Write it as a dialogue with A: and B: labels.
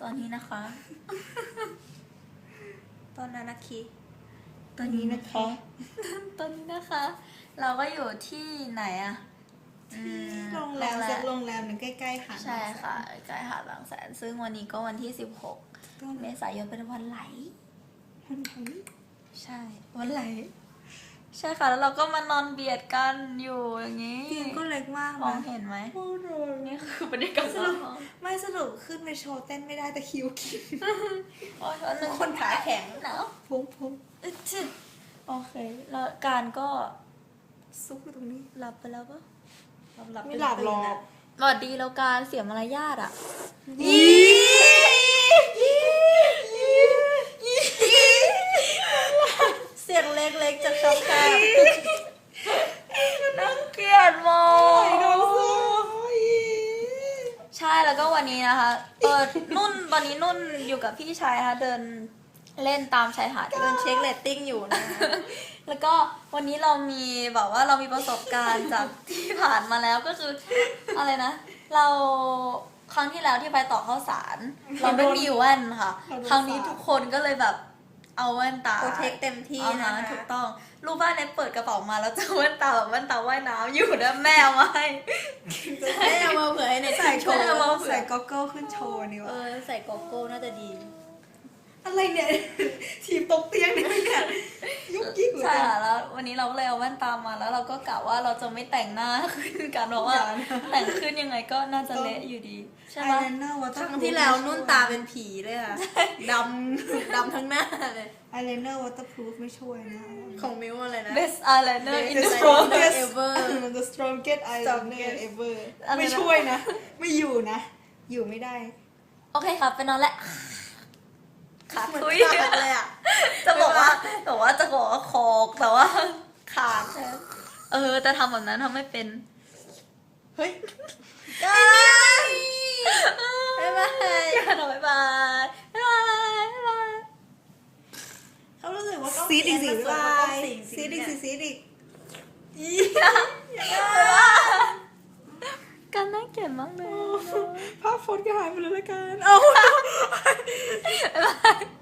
A: อนนี้นะคะ
B: ตอนนั้นนะคี
A: ตอนนี้นะคะ ตอนนี้นะคะ เราก็อยู่ที่ไหนอะ
B: ที่โรงแรมสักโรงแรมหนึ่งใกล้ๆหาด
A: ใช่ค่ะใกล้หาดบางแสนซึ่งวันนี้ก็วันที่ 16 เมษายนเป็นวันไหล
B: วันไหน
A: ใช่ วันไหล ใช่ค่ะแล้วเราก็มานอนเบียดกันอยู่อย่างนี้
B: เตียงก็เล็กมาก
A: มอง
B: นะ
A: เห็นไหม
B: โอ้โห
A: นี่คือบรรยากาศ
B: สรุปไม่สรุปขึ้นไปโชว์เต้นไม่ได้แต่คิวกิน
A: โอ้ยวันหนึ่ง
B: คนขาแข็ง
A: หนาว
B: พุง
A: โอเค แล้วการก็
B: ซุกอยู่ตรงนี้
A: หลับไปแล้วปะ
B: ไม่หลับหรอก
A: สวัสดีแล้วการเสียมารยาทอ่ะ
B: เสียงเล็กๆจะชอบกัน
A: น่าเกลียดมาก ใช่แล้วก็วันนี้นะคะนุ่นตอนนี้นุ่นอยู่กับพี่ชายนะคะเดินเล่นตามชายหาด
B: เดินเช็คเรตติ้งอยู่นะ
A: แล้วก็วันนี้เรามีแบบว่าเรามีประสบการณ์จากที่ผ่านมาแล้วก็คืออะไรนะ เราครั้งที่แล้วที่ไปต่อข้าวสาร เราไม่มีแว่นค่ะ ครั้งนี้ทุกคนก็เลยแบบเอาแว่นตา
B: โปรเทคเต็มที่
A: อ่า
B: นะ
A: ฮะ
B: คะ
A: ถูกต้องรูปบ้านเนี่ยเปิดกระเป๋ามาแล้วเจอแว่นตาแบบแว่นตาว่ายน้ำอยู่นะแม่เอามาให้
B: ให้เอามาเผื่อให้ในใส่โชว์
A: เอามาเผื่อ
B: ใส่ก็อกเกิลขึ้นโชว์นี่วะ
A: ใส่โกโก้น่าจะดี
B: อะไรเนี่ย ทีมตกเตียงเนี่ยยุกยิกเหมือน
A: ใช่
B: กัน
A: ค่ะแล้ววันนี้เราก็เลยเอาแว่นตามาแล้วเราก็กะว่าเราจะไม่แต่งหน้าขึ้นกันเพราะว่า
B: อย่านะ
A: แต่งขึ้นยังไงก็น่าจะเละอยู่ดีใช่
B: ไอ
A: ไหม
B: ไลเนอร์วอเตอ
C: ค
B: ร์
C: รั้งที่แล้วนุ่นตาเป็นผีเลยค่ะดำทั้งหน้าเลย
B: ไอไลเนอร์วอเตอร์พรูฟไม่ช่วยนะ
C: ของมิวอะไรนะ
A: best eyeliner in the
C: Best
A: world
C: eyeliner ever
B: the strongest eyeliner ever
A: อะไรนะ
B: ไม่ช่วยนะ ไม่อยู่นะ อยู่ไม่ได้
A: โอเคค่ะไปนอนแล้วขาดทุย
C: ขาดเลยอ่ะ
A: จะบอกว่าจะบอกว่าคอกแต่ว่าขาดแต่ทำแบบนั้นทำไม่เป็น
B: เฮ้ย
A: บ๊ายบายบ๊ายบายบ๊ายบายบ๊ายบาย
C: เขารู้สึกว่า
B: ซีดอีกสิ
C: บา
B: บาย
C: ย
B: ซีดอีกสิซีดอีก
A: การน่าเกลียดมากเลย
B: ภาพโฟนก็หายไปเลยละกันเอา
A: บ๊ายบาย